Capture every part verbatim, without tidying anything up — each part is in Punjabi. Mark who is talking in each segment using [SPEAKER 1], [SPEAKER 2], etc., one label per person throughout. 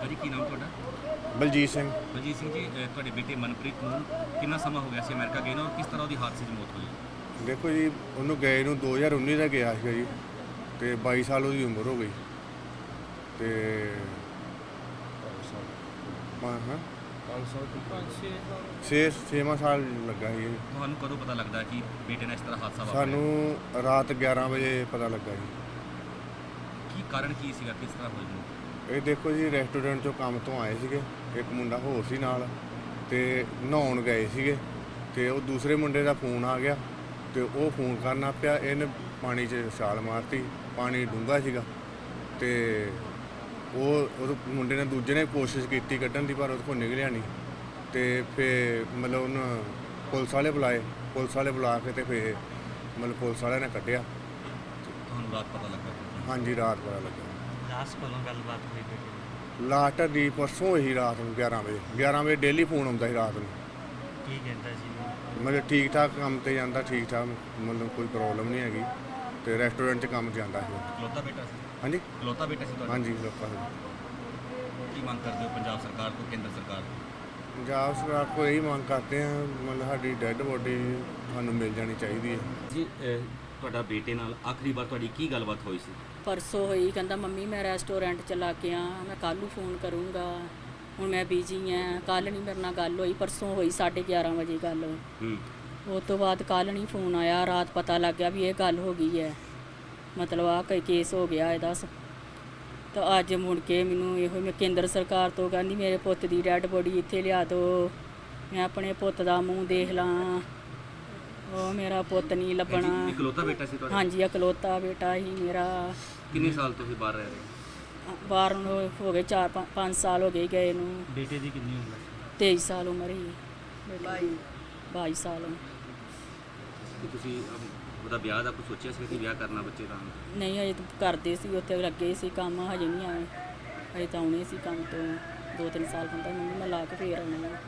[SPEAKER 1] ਭਾਜੀ ਕੀ ਨਾਮ ਤੁਹਾਡਾ?
[SPEAKER 2] ਬਲਜੀਤ ਸਿੰਘ।
[SPEAKER 1] ਬਲਜੀਤ ਸਿੰਘ ਜੀ, ਅ, ਤੁਹਾਡੇ ਬੇਟੇ ਮਨਪ੍ਰੀਤ ਨੂੰ ਕਿੰਨਾ ਸਮਾਂ ਹੋ ਗਿਆ ਸੀ ਅਮਰੀਕਾ ਗਏ ਨੂੰ, ਔਰ ਕਿਸ ਤਰ੍ਹਾਂ ਉਹਦੀ ਹਾਦਸੇ 'ਚ ਮੌਤ ਹੋਈ?
[SPEAKER 2] ਦੇਖੋ ਜੀ, ਉਹਨੂੰ ਗਏ ਨੂੰ ਦੋ ਹਜ਼ਾਰ ਉੱਨੀ ਦਾ ਗਿਆ ਸੀਗਾ ਜੀ, ਤੇ ਬਾਈ ਸਾਲ ਉਹਦੀ ਉਮਰ ਹੋ ਗਈ। ਤੇ ਹਾਂ ਹਾਂ ਛੇ ਛੇਵਾਂ ਸਾਲ ਲੱਗਾ ਸੀ ਜੀ।
[SPEAKER 1] ਤੁਹਾਨੂੰ ਕਦੋਂ ਪਤਾ ਲੱਗਦਾ ਕਿ ਬੇਟੇ ਨਾਲ ਇਸ ਤਰ੍ਹਾਂ ਹਾਦਸਾ ਵਾਪਰਿਆ?
[SPEAKER 2] ਸਾਨੂੰ ਰਾਤ ਗਿਆਰਾਂ ਵਜੇ ਪਤਾ ਲੱਗਾ ਜੀ।
[SPEAKER 1] ਕੀ ਕਾਰਨ ਕੀ ਸੀਗਾ, ਕਿਸ ਤਰ੍ਹਾਂ ਹੋਈ ਮੌਤ?
[SPEAKER 2] ਇਹ ਦੇਖੋ ਜੀ, ਰੈਸਟੋਰੈਂਟ 'ਚੋਂ ਕੰਮ ਤੋਂ ਆਏ ਸੀਗੇ, ਇੱਕ ਮੁੰਡਾ ਹੋਰ ਸੀ ਨਾਲ, ਤੇ ਨਹਾਉਣ ਗਏ ਸੀਗੇ, ਤੇ ਉਹ ਦੂਸਰੇ ਮੁੰਡੇ ਦਾ ਫੋਨ ਆ ਗਿਆ, ਤੇ ਉਹ ਫੋਨ ਕਰਨਾ ਪਿਆ, ਇਹਨੇ ਪਾਣੀ 'ਚ ਛਾਲ ਮਾਰਤੀ। ਪਾਣੀ ਡੂੰਘਾ ਸੀਗਾ, ਤੇ ਉਹ ਉਹ ਮੁੰਡੇ ਨੇ ਦੂਜੇ ਨੇ ਕੋਸ਼ਿਸ਼ ਕੀਤੀ ਕੱਢਣ ਦੀ, ਪਰ ਉਹਦੇ ਕੋਲ ਨਿਕਲਿਆ ਨਹੀਂ। ਤੇ ਫਿਰ ਮਤਲਬ ਉਹਨੂੰ ਪੁਲਿਸ ਵਾਲੇ ਬੁਲਾਏ, ਪੁਲਿਸ ਵਾਲੇ ਬੁਲਾ ਕੇ ਤੇ ਫਿਰ ਮਤਲਬ ਪੁਲਿਸ ਵਾਲਿਆਂ ਨੇ ਕੱਢਿਆ।
[SPEAKER 1] ਤੁਹਾਨੂੰ ਰਾਤ ਪਤਾ ਲੱਗਾ?
[SPEAKER 2] ਹਾਂਜੀ, ਰਾਤ ਪਤਾ ਲੱਗਾ।
[SPEAKER 1] ਲਾਸਟ ਕੋਲੋਂ ਗੱਲਬਾਤ ਹੋਈ ਬੇਟੇ?
[SPEAKER 2] ਲਾਸਟ ਦੀ ਪਰਸੋਂ ਹੀ ਰਾਤ ਨੂੰ ਗਿਆਰਾਂ ਵਜੇ ਗਿਆਰਾਂ ਵਜੇ ਡੇਲੀ ਫੋਨ ਆਉਂਦਾ ਸੀ ਰਾਤ ਨੂੰ।
[SPEAKER 1] ਕੀ ਕਹਿੰਦਾ ਸੀ?
[SPEAKER 2] ਮਤਲਬ ਠੀਕ ਠਾਕ ਕੰਮ ਤੇ ਜਾਂਦਾ, ਠੀਕ ਠਾਕ, ਮਤਲਬ ਕੋਈ ਪ੍ਰੋਬਲਮ ਨਹੀਂ ਹੈਗੀ, ਤੇ ਰੈਸਟੋਰੈਂਟ 'ਚ ਕੰਮ ਜਾਂਦਾ ਸੀ।
[SPEAKER 1] ਇਕਲੌਤਾ ਬੇਟਾ ਸੀ?
[SPEAKER 2] ਹਾਂਜੀ,
[SPEAKER 1] ਇਕਲੌਤਾ ਬੇਟਾ ਸੀ ਤੁਹਾਡਾ?
[SPEAKER 2] ਹਾਂਜੀ ਲੋਕਾਂ ਨੂੰ।
[SPEAKER 1] ਕੀ ਮੰਗ ਕਰਦੇ ਹੋ ਪੰਜਾਬ ਸਰਕਾਰ ਤੋਂ, ਕੇਂਦਰ ਸਰਕਾਰ ਤੋਂ?
[SPEAKER 2] ਪੰਜਾਬ ਸਰਕਾਰ ਕੋਲ ਇਹੀ ਮੰਗ ਕਰਦੇ ਹਾਂ, ਮਤਲਬ ਸਾਡੀ ਡੈੱਡ ਬੋਡੀ ਸਾਨੂੰ ਮਿਲ ਜਾਣੀ ਚਾਹੀਦੀ ਹੈ
[SPEAKER 1] ਜੀ। ਤੁਹਾਡਾ ਬੇਟੇ ਨਾਲ ਆਖਰੀ ਵਾਰ ਤੁਹਾਡੀ ਕੀ ਗੱਲਬਾਤ ਹੋਈ ਸੀ?
[SPEAKER 3] ਪਰਸੋਂ ਹੋਈ, ਕਹਿੰਦਾ ਮੰਮੀ ਮੈਂ ਰੈਸਟੋਰੈਂਟ ਚਲਾ ਕੇ ਆ, ਮੈਂ ਕੱਲ੍ਹ ਨੂੰ ਫੋਨ ਕਰੂੰਗਾ, ਹੁਣ ਮੈਂ ਬਿਜੀ ਹਾਂ, ਕੱਲ੍ਹ ਨਹੀਂ ਮੇਰੇ ਨਾਲ ਗੱਲ ਹੋਈ। ਪਰਸੋਂ ਹੋਈ ਸਾਢੇ ਗਿਆਰਾਂ ਵਜੇ ਗੱਲ।
[SPEAKER 1] ਹੂੰ।
[SPEAKER 3] ਉਸ ਤੋਂ ਬਾਅਦ ਕੱਲ੍ਹ ਨਹੀਂ ਫੋਨ ਆਇਆ, ਰਾਤ ਪਤਾ ਲੱਗ ਗਿਆ ਵੀ ਇਹ ਗੱਲ ਹੋ ਗਈ ਹੈ, ਮਤਲਬ ਆਹ ਕੋਈ ਕੇਸ ਹੋ ਗਿਆ ਇਹਦਾ। ਤਾਂ ਅੱਜ ਮੁੜ ਕੇ ਮੈਨੂੰ ਇਹੋ ਮੈਂ ਕੇਂਦਰ ਸਰਕਾਰ ਤੋਂ ਕਹਿੰਦੀ ਮੇਰੇ ਪੁੱਤ ਦੀ ਡੈਡ ਬੋਡੀ ਇੱਥੇ ਲਿਆ ਦਿਓ, ਮੈਂ ਆਪਣੇ ਪੁੱਤ ਦਾ ਮੂੰਹ ਦੇਖ ਲਾਂ, ਉਹ ਮੇਰਾ ਪੁੱਤ ਨਹੀਂ ਲੱਭਣਾ।
[SPEAKER 1] ਇਕਲੌਤਾ ਬੇਟਾ ਸੀ ਤੁਹਾਡਾ?
[SPEAKER 3] ਹਾਂਜੀ, ਇਕਲੌਤਾ ਬੇਟਾ ਹੀ ਮੇਰਾ।
[SPEAKER 1] ਕਿੰਨੇ ਸਾਲ ਤੋਂ ਤੁਸੀਂ ਬਾਹਰ ਰਹਿ ਰਹੇ?
[SPEAKER 3] ਬਾਹਰ ਨੂੰ ਹੋ ਗਏ ਚਾਰ ਪੰਜ ਪੰਜ ਸਾਲ ਹੋ ਗਏ ਗਏ ਨੂੰ।
[SPEAKER 1] ਬੇਟੇ ਦੀ ਕਿੰਨੀ ਉਮਰ?
[SPEAKER 3] ਤੇਈ ਸਾਲ ਉਮਰ ਹੀ। ਬਾਈ ਬਾਈ ਸਾਲ।
[SPEAKER 1] ਕਿ ਤੁਸੀਂ ਅਮ, ਉਹਦਾ ਵਿਆਹ ਦਾ ਕੁਝ ਸੋਚਿਆ ਸੀ ਕਿ ਵਿਆਹ ਕਰਨਾ ਬੱਚੇ ਦਾ?
[SPEAKER 3] ਨਹੀਂ, ਹਜੇ ਤਾਂ ਕਰਦੇ ਸੀ, ਉੱਥੇ ਲੱਗੇ ਸੀ ਕੰਮ, ਹਜੇ ਨਹੀਂ ਆਏ, ਹਜੇ ਤਾਂ ਆਉਣੇ ਸੀ ਕੰਮ ਤੋਂ। ਦੋ ਤਿੰਨ ਸਾਲ ਕਹਿੰਦਾ ਮੰਮੀ ਮੈਂ ਲਾ ਕੇ ਫੇਰ ਆਉਣਾ। ਮੇਰਾ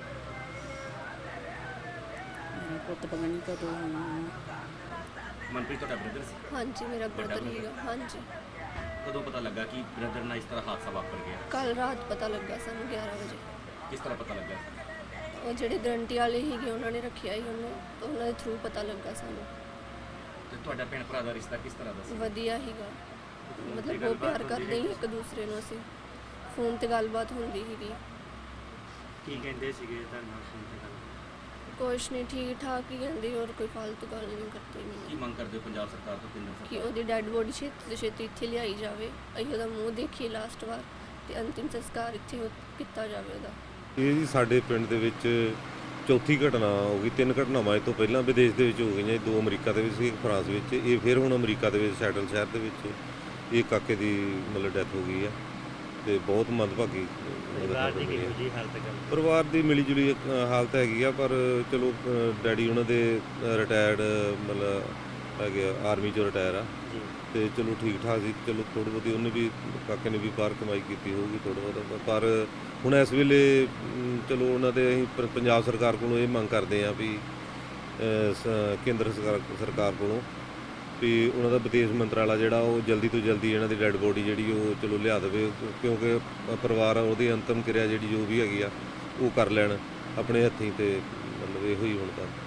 [SPEAKER 3] ਪੁੱਤ ਪਤਾ ਨਹੀਂ ਕਦੋਂ ਆਉਣਾ।
[SPEAKER 1] ਮਨਪ੍ਰੀਤ ਤੁਹਾਡਾ ਬ੍ਰਦਰ ਸੀ?
[SPEAKER 4] ਹਾਂਜੀ, ਮੇਰਾ ਬ੍ਰਦਰ ਹੀਗਾ। ਹਾਂਜੀ।
[SPEAKER 1] ਕਦੋਂ ਪਤਾ ਲੱਗਾ ਕਿ ਬ੍ਰਦਰ ਨਾਲ ਇਸ ਤਰ੍ਹਾਂ ਹਾਦਸਾ ਵਾਪਰ ਗਿਆ?
[SPEAKER 4] ਕੱਲ ਰਾਤ ਪਤਾ ਲੱਗਾ ਸਾਨੂੰ ਗਿਆਰਾਂ ਵਜੇ।
[SPEAKER 1] ਕਿਸ ਤਰ੍ਹਾਂ ਪਤਾ ਲੱਗਾ?
[SPEAKER 4] ਉਹ ਜਿਹੜੇ ਗਰੰਟੀ ਵਾਲੇ ਸੀਗੇ ਉਹਨਾਂ ਨੇ ਰੱਖਿਆ ਹੀ ਉਹਨੂੰ, ਤਾਂ ਉਹਨਾਂ ਦੇ ਥਰੂ ਪਤਾ ਲੱਗਾ ਸਾਨੂੰ।
[SPEAKER 1] ਤੇ ਤੁਹਾਡਾ ਭੈਣ ਭਰਾ ਦਾ ਰਿਸ਼ਤਾ ਕਿਸ ਤਰ੍ਹਾਂ ਦਾ ਸੀ?
[SPEAKER 4] ਵਧੀਆ ਹੀਗਾ, ਮਤਲਬ ਬਹੁਤ ਪਿਆਰ ਕਰਦੇ ਸੀ ਇੱਕ ਦੂਸਰੇ ਨੂੰ। ਅਸੀਂ ਫੋਨ ਤੇ ਗੱਲਬਾਤ ਹੁੰਦੀ ਸੀਗੀ।
[SPEAKER 1] ਕੀ ਕਹਿੰਦੇ ਸੀਗੇ ਤੁਹਾਡੇ ਨਾਲ ਫੋਨ ਤੇ ਗੱਲ?
[SPEAKER 4] ਕੁਛ ਨਹੀਂ, ਠੀਕ ਠਾਕ ਹੀ ਕਹਿੰਦੇ, ਹੋਰ ਕੋਈ ਫालतू ਗੱਲ ਨਹੀਂ ਕਰਦੇ।
[SPEAKER 1] ਕੀ
[SPEAKER 4] ਮੈਨੂੰ
[SPEAKER 1] ਮੰਗ ਕਰਦੇ ਹੋ ਪੰਜਾਬ ਸਰਕਾਰ ਤੋਂ, ਕੇਂਦਰ
[SPEAKER 4] ਕਿ
[SPEAKER 1] ਸਰਕਾਰ?
[SPEAKER 4] ਉਹਦੀ ਡੈਡ ਬੋਡੀ ਛੇਤੀ ਤੋਂ ਛੇਤੀ ਇੱਥੇ ਲਿਆਈ ਜਾਵੇ, ਅਸੀਂ ਉਹਦਾ ਮੂੰਹ ਦੇਖੀਏ ਲਾਸਟ ਵਾਰ, ਤੇ ਅੰਤਿਮ ਸੰਸਕਾਰ ਇੱਥੇ ਹੋ- ਕੀਤਾ ਜਾਵੇ ਉਹਦਾ।
[SPEAKER 5] ਇਹ ਜੀ ਸਾਡੇ ਪਿੰਡ ਦੇ ਵਿੱਚ ਚੌਥੀ ਘਟਨਾ ਹੋ ਗਈ। ਤਿੰਨ ਘਟਨਾਵਾਂ ਇਹ ਤੋਂ ਪਹਿਲਾਂ ਵਿਦੇਸ਼ ਦੇ ਵਿੱਚ ਹੋ ਗਈਆਂ, ਦੋ ਅਮਰੀਕਾ ਦੇ ਵਿੱਚ ਸੀ, ਇੱਕ ਫਰਾਂਸ ਵਿੱਚ। ਇਹ ਫਿਰ ਹੁਣ ਅਮਰੀਕਾ ਦੇ ਵਿੱਚ ਸੈਟਲ ਸ਼ਹਿਰ ਦੇ ਵਿੱਚ ਇਹ ਕਾਕੇ ਦੀ ਮਤਲਬ ਡੈਥ ਹੋ ਗਈ ਆ, ਤੇ ਬਹੁਤ ਮੰਦਭਾਗੀ
[SPEAKER 1] ਪਰਿਵਾਰ ਦੀ ਕਿਹੋ ਜਿਹੀ ਹਾਲਤ ਹੈ?
[SPEAKER 5] ਪਰਿਵਾਰ ਦੀ ਮਿਲੀ ਜੁਲੀ ਇੱਕ, ਅ, ਹਾਲਤ ਹੈਗੀ ਆ, ਪਰ ਚਲੋ ਅ, ਡੈਡੀ ਉਹਨਾਂ ਦੇ ਰਿਟਾਇਰਡ ਮਤਲਬ ਹੈਗੇ ਆਰਮੀ 'ਚੋਂ ਰਿਟਾਇਰ ਆ,
[SPEAKER 1] ਜੀ।
[SPEAKER 5] ਤੇ ਚਲੋ ਠੀਕ ਠਾਕ ਸੀ। ਚਲੋ ਥੋੜ੍ਹੀ ਬਹੁਤੀ ਉਹਨੇ ਵੀ, ਕਾਕੇ ਨੇ ਵੀ ਬਾਹਰ ਕਮਾਈ ਕੀਤੀ ਹੋਊਗੀ ਥੋੜ੍ਹਾ ਬਹੁਤਾ, ਪਰ ਹੁਣ ਇਸ ਵੇਲੇ ਅਮ, ਚਲੋ ਉਹਨਾਂ ਦੇ ਅਸੀਂ ਪ- ਪੰਜਾਬ ਸਰਕਾਰ ਕੋਲੋਂ ਇਹ ਮੰਗ ਕਰਦੇ ਹਾਂ ਵੀ ਅ, ਸ- ਕੇਂਦਰ ਸਰਕਾਰ ਸਰਕਾਰ ਕੋਲੋਂ ਵੀ ਉਹਨਾਂ ਦਾ ਵਿਦੇਸ਼ ਮੰਤਰਾਲਾ ਜਿਹੜਾ ਉਹ ਜਲਦੀ ਤੋਂ ਜਲਦੀ ਇਹਨਾਂ ਦੀ ਡੈੱਡ ਬੋਡੀ ਜਿਹੜੀ ਉਹ ਚਲੋ ਲਿਆ ਦੇਵੇ, ਕਿਉਂਕਿ ਪਰਿਵਾਰ ਆ ਉਹਦੀ ਅੰਤਮ ਕਿਰਿਆ ਜਿਹੜੀ ਜੋ ਵੀ ਹੈਗੀ ਆ ਉਹ ਕਰ ਲੈਣ ਆਪਣੇ ਹੱਥੀਂ, ਤੇ ਮਤਲਬ ਇਹੋ ਹੀ ਹੁਣ ਤਾਂ